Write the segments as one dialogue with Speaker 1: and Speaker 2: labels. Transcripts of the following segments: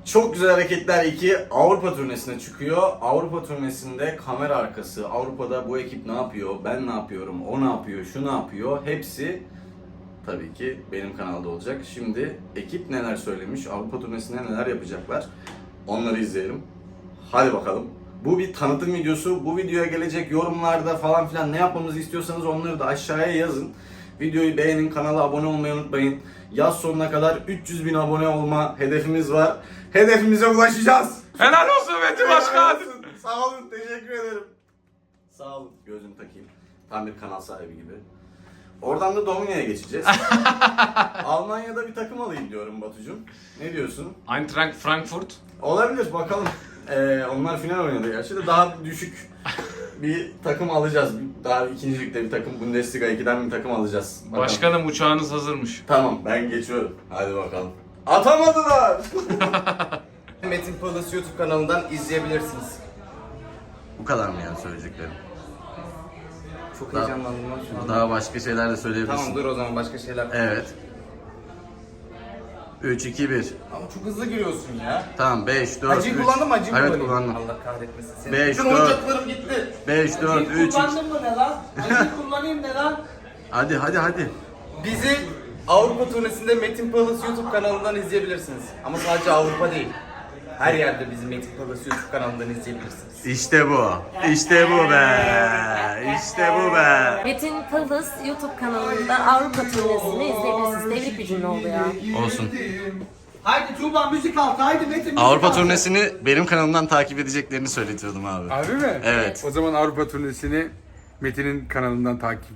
Speaker 1: Çok Güzel Hareketler 2 Avrupa turnesine çıkıyor. Avrupa turnesinde kamera arkası, Avrupa'da bu ekip ne yapıyor, ben ne yapıyorum, o ne yapıyor, şu ne yapıyor, hepsi tabii ki benim kanalda olacak. Şimdi ekip neler söylemiş, Avrupa turnesinde neler yapacaklar, onları izleyelim. Hadi bakalım. Bu bir tanıtım videosu. Bu videoya gelecek yorumlarda falan filan ne yapmamızı istiyorsanız onları da aşağıya yazın. Videoyu beğenin, kanala abone olmayı unutmayın. Yaz sonuna kadar 300.000 abone olma hedefimiz var. Hedefimize ulaşacağız.
Speaker 2: Helal olsun Metin Başkan.
Speaker 1: Sağ olun, teşekkür ederim. Sağ olun, gözümü takayım. Tam bir kanal sahibi gibi. Oradan da Domini'ye geçeceğiz. Almanya'da bir takım alayım diyorum Batucuğum. Ne diyorsun?
Speaker 2: Eintracht Frankfurt.
Speaker 1: Olabilir, bakalım. Onlar final oynadı gerçi de daha düşük bir takım alacağız. Daha ikinci ligde bir takım, Bundesliga 2'den bir takım alacağız. Bakalım.
Speaker 2: Başkanım uçağınız hazırmış.
Speaker 1: Tamam, ben geçiyorum. Hadi bakalım. Atamadılar!
Speaker 3: Metin Palace YouTube kanalından izleyebilirsiniz.
Speaker 1: Bu kadar mı yani söyleyeceklerim?
Speaker 3: Çok
Speaker 1: Daha-
Speaker 3: heyecanlandım lan şu an.
Speaker 1: Daha başka şeyler de söyleyebilirsin.
Speaker 3: Tamam dur o zaman başka şeyler.
Speaker 1: Evet. 3, 2, 1.
Speaker 3: Ama çok hızlı giriyorsun ya.
Speaker 1: Tamam, 5, 4, 3.
Speaker 3: Acıyı kullandın mı? Acıyı
Speaker 1: Evet,
Speaker 3: kullanayım.
Speaker 1: kullandım.
Speaker 3: Allah kahretmesin seni.
Speaker 1: 5,
Speaker 3: Bütün
Speaker 1: 4.
Speaker 3: oyuncaklarım gitti.
Speaker 1: 5, 4, 3, 2.
Speaker 4: Kullandın mı ne lan? Acıyı kullanayım ne lan?
Speaker 1: Hadi.
Speaker 3: Bizi Avrupa turnesinde Metin Palace YouTube kanalından izleyebilirsiniz. Ama sadece Avrupa değil. Her yerde bizi Metin Palace YouTube kanalından izleyebilirsiniz.
Speaker 1: İşte bu. İşte bu be. İşte bu be.
Speaker 5: Metin Palace YouTube kanalında Avrupa turnesini izleyebilirsiniz. Tebrik bir cümle oldu ya.
Speaker 1: Olsun.
Speaker 4: Haydi Tuğba müzik altı, haydi Metin müzik
Speaker 1: Avrupa
Speaker 4: altı.
Speaker 1: turnesini benim kanalımdan takip edeceklerini söyletiyordum abi.
Speaker 6: Harbi mi?
Speaker 1: Evet.
Speaker 6: O zaman Avrupa turnesini Metin'in kanalından takip.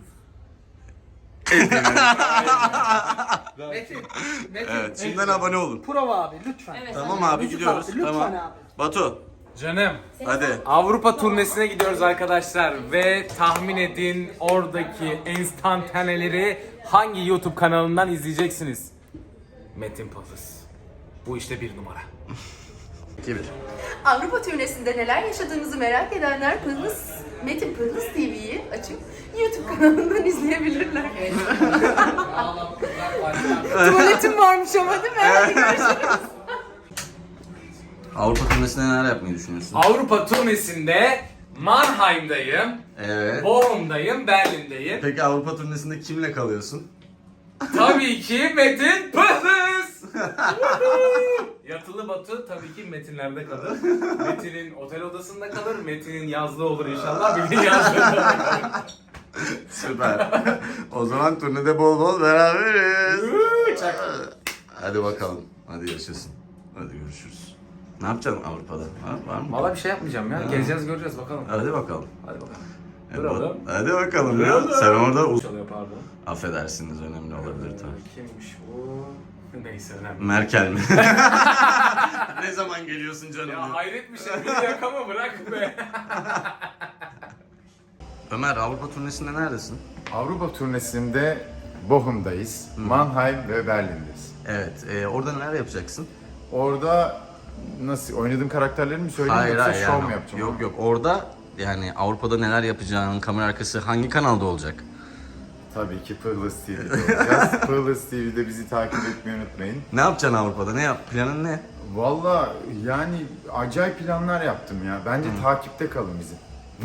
Speaker 4: Metin,
Speaker 1: Evet, şimdiden abone olun.
Speaker 4: prova abi lütfen.
Speaker 5: Evet.
Speaker 1: Tamam abi,
Speaker 4: Müzik
Speaker 1: gidiyoruz.
Speaker 4: altı, lütfen
Speaker 1: Tamam.
Speaker 4: abi.
Speaker 1: Batu,
Speaker 2: Canım.
Speaker 1: hadi.
Speaker 2: Avrupa turnesine gidiyoruz arkadaşlar ve tahmin edin oradaki enstantaneleri hangi YouTube kanalından izleyeceksiniz? Metin Palace. Bu işte bir numara.
Speaker 1: 2, 1.
Speaker 7: Avrupa turnesinde neler yaşadığınızı merak edenler Metin Pırlıs TV'yi açıp YouTube kanalından izleyebilirler. Tuvaletim varmış ama değil mi? Hadi görüşürüz.
Speaker 1: Avrupa turnesinde neler yapmayı düşünüyorsun?
Speaker 2: Avrupa turnesinde Mannheim'dayım,
Speaker 1: Evet.
Speaker 2: Bochum'dayım, Berlin'deyim.
Speaker 1: Peki Avrupa turnesinde kimle kalıyorsun?
Speaker 2: Tabii ki Metin Palace. Yatılı Batu tabii ki Metinlerde kalır. Metin'in otel odasında kalır. Metin'in yazlığı olur inşallah. Bir gün yazlığında kalır.
Speaker 1: Süper. O zaman turnede bol bol beraberiz. Hadi bakalım. Hadi yaşasın. Hadi görüşürüz. Ne yapacaksın Avrupa'da? Ha, var mı?
Speaker 2: Valla bir şey yapmayacağım ya. Gezeceğiz göreceğiz bakalım.
Speaker 1: Hadi bakalım.
Speaker 2: Hadi bakalım.
Speaker 1: Hadi, hadi bakalım ya. Sen orada
Speaker 2: Çalıyor pardon.
Speaker 1: affedersiniz, önemli olabilir tabii.
Speaker 2: Kimmiş bu? Neyse önemli.
Speaker 1: Merkel mi? Ne zaman geliyorsun canım?
Speaker 2: Ya hayret bir şey. Bir yakama bırak be.
Speaker 1: Ömer, Avrupa turnesinde neredesin?
Speaker 8: Avrupa turnesinde Bochum'dayız, Mannheim ve Berlin'deyiz.
Speaker 1: Evet. Orada neler yapacaksın?
Speaker 8: Orada nasıl oynadığım karakterleri mi söyleyeyim yoksa şov mu yapacağım?
Speaker 1: Yok. Orada yani Avrupa'da neler yapacağın, kamera arkası hangi kanalda olacak?
Speaker 8: Tabii ki Pırlıs TV'de olacağız. Pırlıs TV'de bizi takip etmeyi unutmayın.
Speaker 1: Ne yapacaksın Avrupa'da? Planın ne?
Speaker 8: Valla yani acayip planlar yaptım ya. Bence takipte kalın bizim.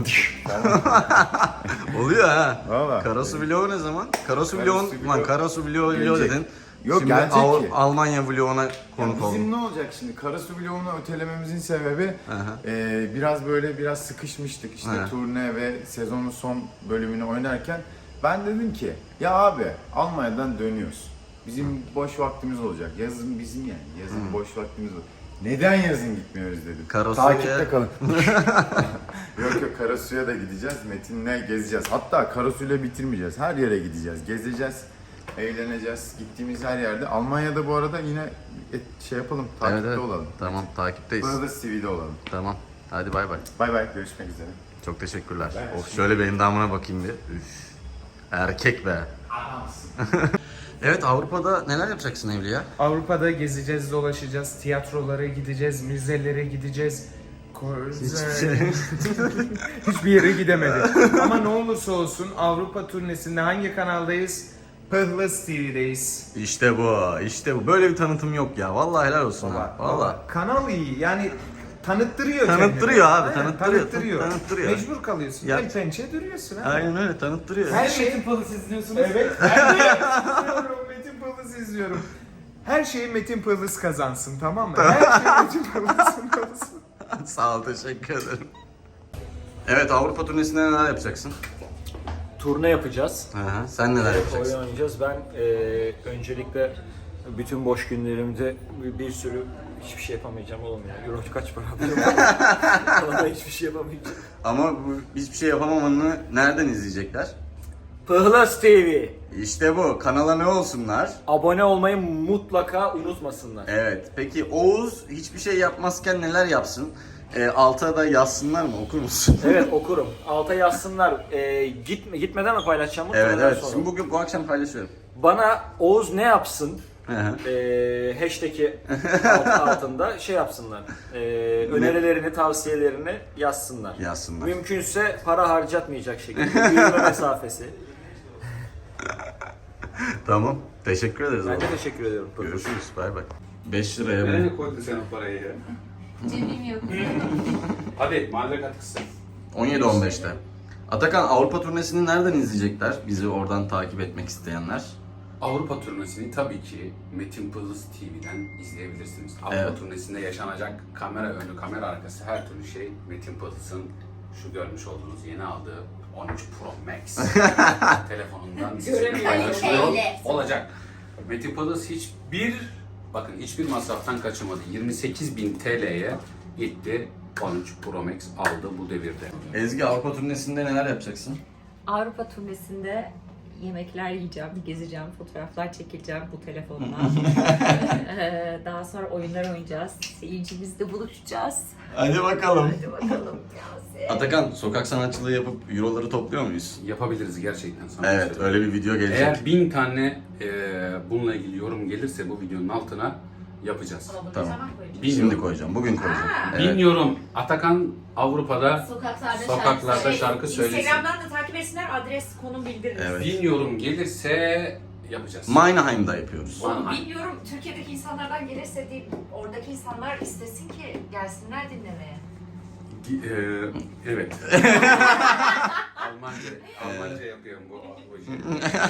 Speaker 1: Oluyor ha.
Speaker 8: Valla.
Speaker 1: Karasu vlogu ne zaman? Karasu
Speaker 8: Karasu
Speaker 1: vlogu,
Speaker 8: vlogu
Speaker 1: lan Karasu vlogu
Speaker 8: gelecek.
Speaker 1: dedin.
Speaker 8: Yok,
Speaker 1: Şimdi
Speaker 8: gelecek ki.
Speaker 1: Almanya vloguna konuk
Speaker 8: Bizim
Speaker 1: oldum.
Speaker 8: ne olacak şimdi? Karasu vlogunu ötelememizin sebebi biraz biraz sıkışmıştık işte
Speaker 1: Aha.
Speaker 8: turne ve sezonun son bölümünü oynarken. Ben dedim ki ya abi Almanya'dan dönüyoruz. Bizim boş vaktimiz olacak. Yazın bizim yani. Yazın boş vaktimiz olacak. Neden yazın gitmiyoruz dedim.
Speaker 1: Karasu'ya-
Speaker 8: Takipte kalın. Yok Karasu'ya da gideceğiz. Metin'le gezeceğiz. Hatta Karasu'yla bitirmeyeceğiz. Her yere gideceğiz. Gezeceğiz. Eğleneceğiz. Gittiğimiz her yerde. Almanya'da bu arada yine şey yapalım. Takipte olalım.
Speaker 1: Tamam, takipteyiz.
Speaker 8: Burada da TV'de olalım.
Speaker 1: Tamam. Hadi bay bay.
Speaker 8: Bay bay. Görüşmek üzere.
Speaker 1: Çok teşekkürler. Of, şöyle bir endamına bakayım bir. Üf. Erkek be. Evet, Avrupa'da neler yapacaksın Evliya?
Speaker 2: Avrupa'da gezeceğiz, dolaşacağız, tiyatrolara gideceğiz, müzelere gideceğiz. Hiçbir yere gidemedik. Ama ne olursa olsun Avrupa turnesinde hangi kanaldayız?
Speaker 9: Pıhlıs TV'deyiz.
Speaker 1: İşte bu, işte bu. Böyle bir tanıtım yok ya. Vallahi helal olsun ha. Vallahi.
Speaker 9: Kanal iyi yani tanıttırıyor
Speaker 1: Tanıttırıyor
Speaker 9: kendini.
Speaker 1: abi,
Speaker 9: Aynen,
Speaker 1: tanıttırıyor. Tanıttırıyor.
Speaker 9: Mecbur kalıyorsun.
Speaker 1: Ya-
Speaker 9: El pençe duruyorsun ha.
Speaker 1: Aynen öyle, tanıttırıyor.
Speaker 9: Her şey
Speaker 2: Metin Palace izliyorsunuz.
Speaker 9: Evet. Ben de izliyorum, Metin Pıhlıs izliyorum. Her şeyi Metin Pıhlıs kazansın, tamam mı? Her şey Metin Pıhlıs'ın olsun.
Speaker 1: Sağ ol, teşekkür ederim. Evet, Avrupa turnesinde neler yapacaksın?
Speaker 10: Turne yapacağız.
Speaker 1: Hı hı. Sen neler
Speaker 10: Oyun
Speaker 1: yapacaksın?
Speaker 10: oynayacağız. Ben öncelikle bütün boş günlerimde bir sürü hiçbir şey yapamayacağım oğlum ya. Euro kaç para alacağım? Vallahi hiçbir şey yapamayacağım.
Speaker 1: Ama bu hiçbir şey yapamamanı nereden izleyecekler?
Speaker 10: Pıhlas TV.
Speaker 1: İşte bu. Kanala ne olsunlar?
Speaker 10: Abone olmayı mutlaka unutmasınlar.
Speaker 1: Evet. Peki Oğuz hiçbir şey yapmazken neler yapsın? Alta da yazsınlar mı? Okur musun?
Speaker 10: Evet okurum. Alta yazsınlar. Gitmeden mi paylaşacağım?
Speaker 1: Evet,
Speaker 10: Muhtemelen
Speaker 1: evet.
Speaker 10: sonra.
Speaker 1: Şimdi bu akşam paylaşıyorum.
Speaker 10: Bana Oğuz ne yapsın?
Speaker 1: Hı hı.
Speaker 10: Hashtag'i altında şey yapsınlar. Önerilerini, tavsiyelerini yazsınlar.
Speaker 1: Yazsınlar.
Speaker 10: Mümkünse para harcatmayacak şekilde yürüme mesafesi.
Speaker 1: Tamam. Teşekkür ederiz.
Speaker 10: Ben de
Speaker 1: oğlum.
Speaker 10: teşekkür ediyorum.
Speaker 1: Görüşürüz. Bay bay. 5 liraya bu.
Speaker 6: Nereye koydun sen o parayı ya?
Speaker 5: Cebim yok.
Speaker 6: Hadi mahalle katkısı.
Speaker 1: 17-15'te. Atakan, Avrupa turnesini nereden izleyecekler? Bizi oradan takip etmek isteyenler.
Speaker 11: Avrupa turnesini tabii ki Metin Pıhlıs TV'den izleyebilirsiniz. Avrupa
Speaker 1: Evet.
Speaker 11: turnesinde yaşanacak kamera önü, kamera arkası her türlü şey Metin Pıhlıs'ın şu görmüş olduğunuz yeni aldığı 13 Pro Max telefonundan sizinle paylaşılıyor olacak. Metin Pıhlıs hiçbir masraftan kaçırmadı. 28.000 TL'ye gitti. 13 Pro Max aldı bu devirde.
Speaker 1: Ezgi, Avrupa turnesinde neler yapacaksın?
Speaker 5: Avrupa turnesinde yemekler yiyeceğim, gezeceğim, fotoğraflar çekileceğim bu telefonla. Daha sonra oyunlar oynayacağız. Seyircimizle buluşacağız.
Speaker 1: Hadi bakalım.
Speaker 5: Hadi bakalım.
Speaker 1: Atakan, sokak sanatçılığı yapıp euroları topluyor muyuz?
Speaker 11: Yapabiliriz gerçekten sana.
Speaker 1: Evet, öyle bir video gelecek.
Speaker 11: Eğer 1000 tane bununla ilgili yorum gelirse bu videonun altına yapacağız.
Speaker 1: Tamam.
Speaker 11: Bin
Speaker 1: Şimdi
Speaker 11: yorum.
Speaker 1: koyacağım, bugün koyacağım.
Speaker 11: Bin yorum. Atakan Avrupa'da
Speaker 5: Sokaklarda
Speaker 11: şarkı söylesin.
Speaker 5: Instagram'dan da takip etsinler, adres, konum bildiririz.
Speaker 1: Evet.
Speaker 11: 1000 yorum gelirse yapacağız.
Speaker 1: Mannheim'da yapıyoruz.
Speaker 5: Bilmiyorum, Türkiye'deki insanlardan gelirse değil, oradaki insanlar istesin ki gelsinler dinlemeye.
Speaker 11: Evet. Almanca yapıyorum bu işi.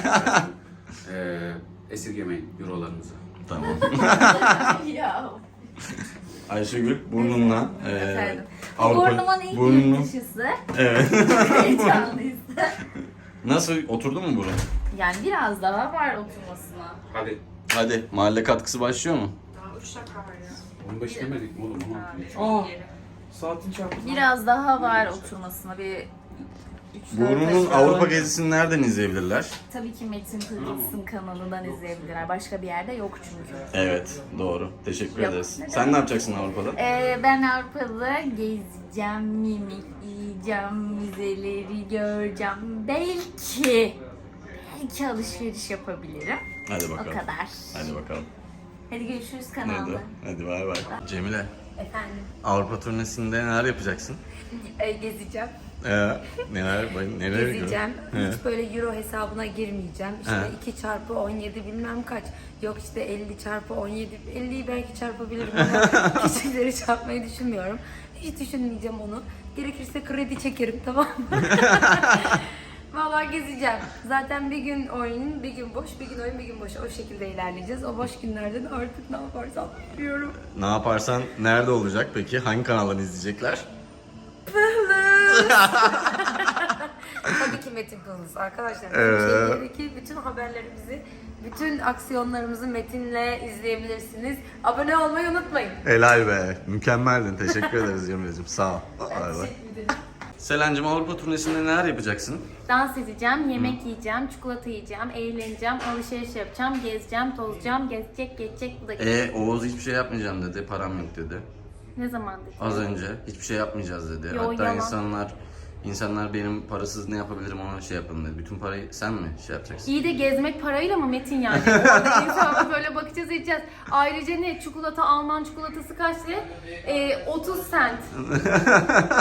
Speaker 11: Esirgemeyin eurolarınızı.
Speaker 1: Tamam.
Speaker 5: Ya.
Speaker 1: Ayşegül, burnunla
Speaker 5: Efendim.
Speaker 1: Avrupa...
Speaker 5: Burnumun ilk
Speaker 1: Burnunu-
Speaker 5: yurt dışısı.
Speaker 1: Evet.
Speaker 5: Heyecanlıyız.
Speaker 1: Nasıl, oturdu mu burun?
Speaker 5: Yani biraz daha var oturmasına.
Speaker 11: Hadi.
Speaker 1: Hadi, mahalle katkısı başlıyor mu?
Speaker 5: Daha 3 dakika var ya.
Speaker 11: 15 demedik mi oğlum?
Speaker 9: Saatin çarptı.
Speaker 5: Biraz daha var oturmasına, bir 3-4
Speaker 1: Burnunun Avrupa gezisini nereden izleyebilirler?
Speaker 5: Tabii ki Metin Pıhlıs'ın kanalından izleyebilirler. Başka bir yerde yok çünkü.
Speaker 1: Evet, doğru. Teşekkür
Speaker 5: Yok,
Speaker 1: ederiz.
Speaker 5: ne
Speaker 1: Sen
Speaker 5: demek?
Speaker 1: ne yapacaksın Avrupa'da?
Speaker 5: Ben Avrupa'da gezeceğim, yemek yiyeceğim, müzeleri göreceğim. Belki alışveriş yapabilirim.
Speaker 1: Hadi
Speaker 5: O
Speaker 1: bakalım.
Speaker 5: kadar.
Speaker 1: Hadi bakalım.
Speaker 5: Hadi görüşürüz
Speaker 1: Hadi,
Speaker 5: kanalda.
Speaker 1: hadi bay bay. Cemile,
Speaker 5: Efendim,
Speaker 1: Avrupa turnesinde neler yapacaksın?
Speaker 5: gezeceğim.
Speaker 1: Neler
Speaker 12: Gezeceğim.
Speaker 1: He.
Speaker 12: Hiç böyle euro hesabına girmeyeceğim. İşte
Speaker 1: He.
Speaker 12: 2 çarpı 17 bilmem kaç. Yok işte 50 çarpı 17. 50'yi belki çarpabilirim ama küçükleri çarpmayı düşünmüyorum. Hiç düşünmeyeceğim onu. Gerekirse kredi çekerim, tamam mı? Vallahi gezeceğim. Zaten bir gün oyun, bir gün boş, bir gün oyun, bir gün boş. O şekilde ilerleyeceğiz. O boş günlerde de artık ne yaparsam yapıyorum.
Speaker 1: Ne yaparsan nerede olacak peki? Hangi kanaldan izleyecekler?
Speaker 12: Tabii ki Metin Pıhlıs arkadaşlar. Türkiye'deki bütün haberlerimizi, bütün aksiyonlarımızı Metin'le izleyebilirsiniz. Abone olmayı unutmayın.
Speaker 1: Helal be. Mükemmeldin. Teşekkür ederiz Cemile'cim. Sağ ol. Bay bay. Selen'cim, Avrupa turnesinde neler yapacaksın?
Speaker 5: Dans edeceğim, yemek yiyeceğim, çikolata yiyeceğim, eğleneceğim, alışveriş yapacağım, gezeceğim, tozacağım, geçecek, bu da geçecek.
Speaker 1: Oğuz hiçbir şey yapmayacağım dedi. Param yok dedi.
Speaker 5: Ne zaman dedi?
Speaker 1: Az önce hiçbir şey yapmayacağız dedi.
Speaker 5: Yo,
Speaker 1: Hatta
Speaker 5: yalan.
Speaker 1: insanlar benim parasız ne yapabilirim ona şey yapın dedi. Bütün parayı sen mi şey yapacaksın?
Speaker 5: İyi de gezmek parayla mı Metin yani? Orada insana böyle bakacağız, edeceğiz. Ayrıca ne? Çikolata, Alman çikolatası kaç lira? 30 cent.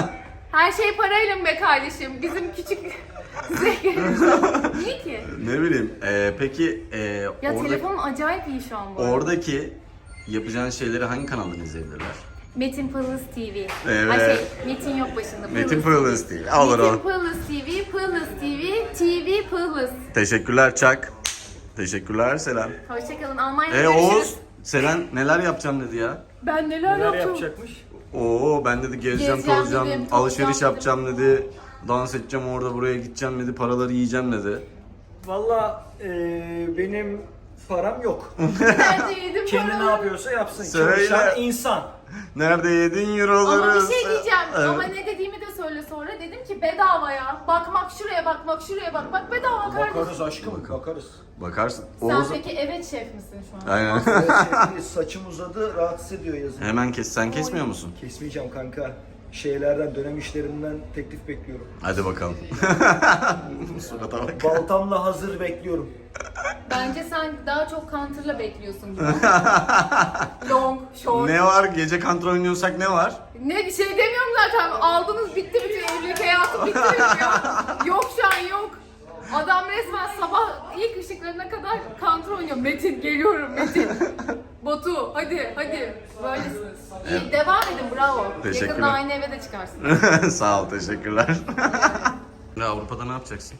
Speaker 5: Her şey parayla be kardeşim. Bizim küçük zevklerimiz. Niye ki?
Speaker 1: Ne bileyim. Peki
Speaker 5: Ya telefonum acayip iyi şu an bu arada.
Speaker 1: oradaki yapacağın şeyleri hangi kanaldan izleyebilirler?
Speaker 5: Metin Pırlıs TV.
Speaker 1: Evet.
Speaker 5: Ay Metin yok başında.
Speaker 1: Metin Pırlıs değil. Olur
Speaker 5: Metin
Speaker 1: o.
Speaker 5: Pırlıs TV, Pırlıs TV, TV Pırlıs.
Speaker 1: Teşekkürler Çak. Teşekkürler Selen.
Speaker 5: Hoşçakalın. Almanya'da görüşürüz.
Speaker 1: Oğuz, Selen neler yapacağım dedi ya.
Speaker 5: Ben neler yapacağım?
Speaker 10: yapacakmış?
Speaker 1: Oo ben dedi gezeceğim,
Speaker 5: Gezeceğim
Speaker 1: tozacağım,
Speaker 5: dedim,
Speaker 1: alışveriş
Speaker 5: tozacağım
Speaker 1: yapacağım dedi. Dans edeceğim orada buraya gideceğim dedi, paraları yiyeceğim dedi.
Speaker 10: Valla benim param yok.
Speaker 5: Nerede yedim
Speaker 10: Kendi ne
Speaker 5: paramı?
Speaker 10: yapıyorsa yapsın.
Speaker 1: Söyle.
Speaker 10: Çalışan insan.
Speaker 1: Nerede yedin euroları?
Speaker 5: Ama bir şey diyeceğim.
Speaker 1: Evet.
Speaker 5: Ama ne dediğimi de söyle sonra. Dedim ki bedava ya. Bakmak şuraya bakmak şuraya bakmak bedava kardeşim.
Speaker 10: Bakarız aşkım, bakarız.
Speaker 1: Bakarsın.
Speaker 5: Sen
Speaker 1: Oğuz...
Speaker 5: peki evet şef misin şu an?
Speaker 1: Aynen.
Speaker 10: Evet, saçım uzadı, rahatsız ediyor yazın.
Speaker 1: Hemen kes. Sen kesmiyor musun?
Speaker 10: Kesmeyeceğim kanka. Şeylerden, dönem işlerimden teklif bekliyorum.
Speaker 1: Hadi bakalım. Surata bak.
Speaker 10: Baltamla hazır bekliyorum.
Speaker 5: Bence sen daha çok counter'la bekliyorsun gibi. Long, short.
Speaker 1: Ne var? Gece kontrol oynuyorsak ne var?
Speaker 5: Ne bir şey demiyorum zaten. Aldınız bitti bütün evlilik hayatı bitti benim ya. Yok şu an yok. Adam resmen sabah ilk ışıklarına kadar counter oynuyor. Metin geliyorum Metin. Batu hadi hadi. Böylesiniz. İyi, devam edin bravo.
Speaker 1: Teşekkürler.
Speaker 5: Yakında aynı eve de çıkarsın.
Speaker 1: Sağ ol, teşekkürler. Avrupa'da ne yapacaksın?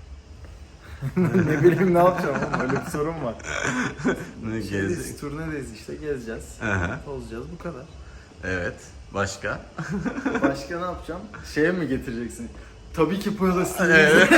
Speaker 3: Ne bileyim ne yapacağım oğlum, böyle bir sorun var.
Speaker 1: Ne
Speaker 3: Biz
Speaker 1: gezeceksin?
Speaker 3: turnedeyiz işte, gezeceğiz.
Speaker 1: Aha.
Speaker 3: Tozacağız, bu kadar.
Speaker 1: Evet. Başka?
Speaker 3: Başka ne yapacağım? Şeye mi getireceksin? Tabii ki Pırlıs TV.
Speaker 1: Evet.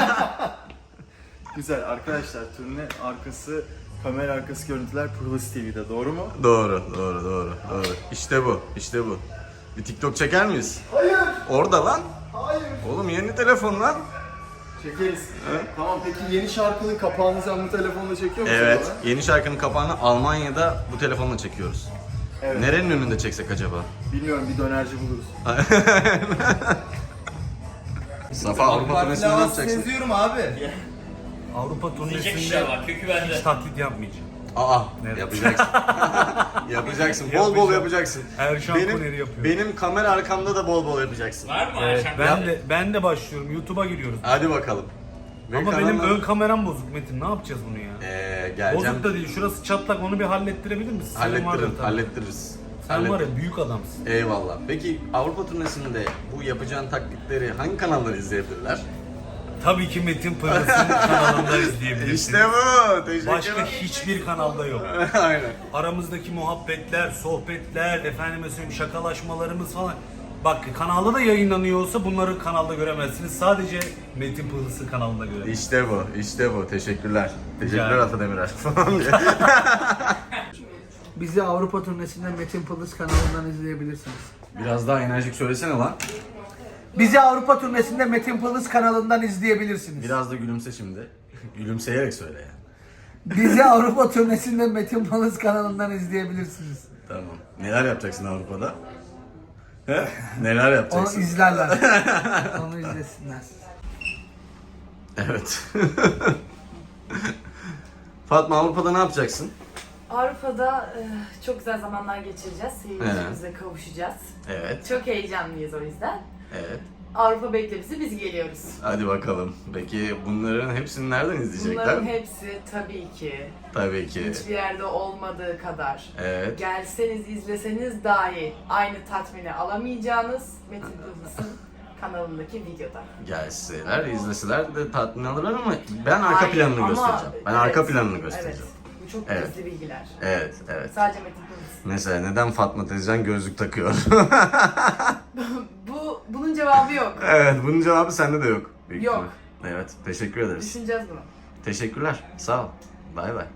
Speaker 3: Güzel arkadaşlar, turne arkası, kamera arkası görüntüler Pırlıs TV'de, doğru mu?
Speaker 1: Doğru. İşte bu, işte bu. Bir TikTok çeker miyiz? Hayır. Orada lan.
Speaker 3: Hayır.
Speaker 1: Oğlum yeni telefon lan.
Speaker 3: Çekeriz. Tamam, peki yeni şarkının kapağını sen bu telefonla çekiyor musun?
Speaker 1: Evet.
Speaker 3: bana?
Speaker 1: Yeni şarkının kapağını Almanya'da bu telefonla çekiyoruz.
Speaker 3: Evet.
Speaker 1: Nerenin önünde çeksek acaba?
Speaker 3: Bilmiyorum, bir dönerci buluruz.
Speaker 1: Safa Avrupa turnesinde ne yapacaksın?
Speaker 3: Seziyorum abi.
Speaker 10: Avrupa turnesinde hiç taklit yapmayacağım.
Speaker 1: Aa, yapacaksın. Yapacaksın. Bol bol yapacaksın.
Speaker 10: Erşan Kuner'i yapıyorum.
Speaker 1: Benim kamera arkamda da bol bol yapacaksın.
Speaker 10: Evet, ben de başlıyorum. YouTube'a giriyoruz.
Speaker 1: Hadi bakalım.
Speaker 10: Ama benim ön kameram bozuk Metin. Ne yapacağız bunu ya?
Speaker 1: Geleceğim.
Speaker 10: Bozuk da değil. Şurası çatlak. Onu bir hallettirebilir misin? Senin vardır tabii.
Speaker 1: Hallettiririz.
Speaker 10: Sen var ya büyük adamsın.
Speaker 1: Eyvallah. Peki Avrupa turnesinde bu yapacağın taklitleri hangi kanalları izleyebilirler?
Speaker 10: Tabii ki Metin Pırlıs'ın kanalında izleyebilirsiniz.
Speaker 1: İşte bu. Teşekkür
Speaker 10: Başka
Speaker 1: ederim.
Speaker 10: hiçbir kanalda yok.
Speaker 1: Aynen.
Speaker 10: Aramızdaki muhabbetler, sohbetler, efendime söyleyeyim şakalaşmalarımız falan. Bak kanalda da yayınlanıyor olsa bunları kanalda göremezsiniz. Sadece Metin Pırlıs'ın kanalında göremezsiniz.
Speaker 1: İşte bu. Teşekkürler. Teşekkürler
Speaker 10: Yani.
Speaker 1: Ata Demirer.
Speaker 4: Bizi Avrupa turnesinde Metin Pırlıs kanalından izleyebilirsiniz.
Speaker 1: Biraz daha enerjik söylesene lan.
Speaker 4: Bizi Avrupa turnesinde Metin Pırlıs kanalından izleyebilirsiniz.
Speaker 1: Biraz da gülümse şimdi. Gülümseyerek söyle yani.
Speaker 4: Bizi Avrupa turnesinde Metin Pırlıs kanalından izleyebilirsiniz.
Speaker 1: Tamam. Neler yapacaksın Avrupa'da? He? Neler
Speaker 4: Onu
Speaker 1: yapacaksın?
Speaker 4: izlerler. Onu izlesinler.
Speaker 1: Evet. Fatma Avrupa'da ne yapacaksın?
Speaker 7: Avrupa'da çok güzel zamanlar geçireceğiz. Seyircimize kavuşacağız.
Speaker 1: Evet.
Speaker 7: Çok heyecanlıyız o yüzden.
Speaker 1: Evet.
Speaker 7: Avrupa bekle bizi, biz geliyoruz.
Speaker 1: Hadi bakalım. Peki bunların hepsini nereden izleyecekler?
Speaker 7: Bunların hepsi tabii ki
Speaker 1: Tabii ki.
Speaker 7: hiçbir yerde olmadığı kadar.
Speaker 1: Evet.
Speaker 7: Gelseniz izleseniz dahi aynı tatmini alamayacağınız Metin Pırlıs'ın kanalındaki videoda.
Speaker 1: Gelseler, izleseler de tatmin alırlar ama ben arka
Speaker 7: Hayır,
Speaker 1: planını
Speaker 7: ama-
Speaker 1: göstereceğim. Ben
Speaker 7: evet,
Speaker 1: arka planını göstereceğim.
Speaker 7: Evet. Bu çok
Speaker 1: Evet.
Speaker 7: gizli bilgiler.
Speaker 1: Evet.
Speaker 7: Sadece Metin Pırlıs.
Speaker 1: Mesela neden Fatma teyzen gözlük takıyor?
Speaker 7: Bunun cevabı yok.
Speaker 1: Evet, bunun cevabı sende de yok. Büyük
Speaker 7: Yok.
Speaker 1: ihtimal. Evet, teşekkür ederiz.
Speaker 7: Düşüneceğiz bunu.
Speaker 1: Teşekkürler, sağ ol. Bay bay.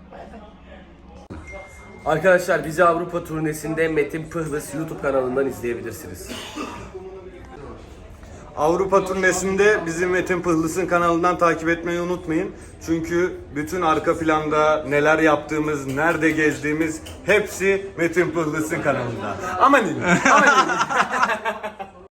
Speaker 13: Arkadaşlar bizi Avrupa turnesinde Metin Pırlıs YouTube kanalından izleyebilirsiniz.
Speaker 14: Avrupa turnesinde bizi Metin Pırlıs'ın kanalından takip etmeyi unutmayın. Çünkü bütün arka planda neler yaptığımız, nerede gezdiğimiz hepsi Metin Pırlıs'ın kanalında. Amanin.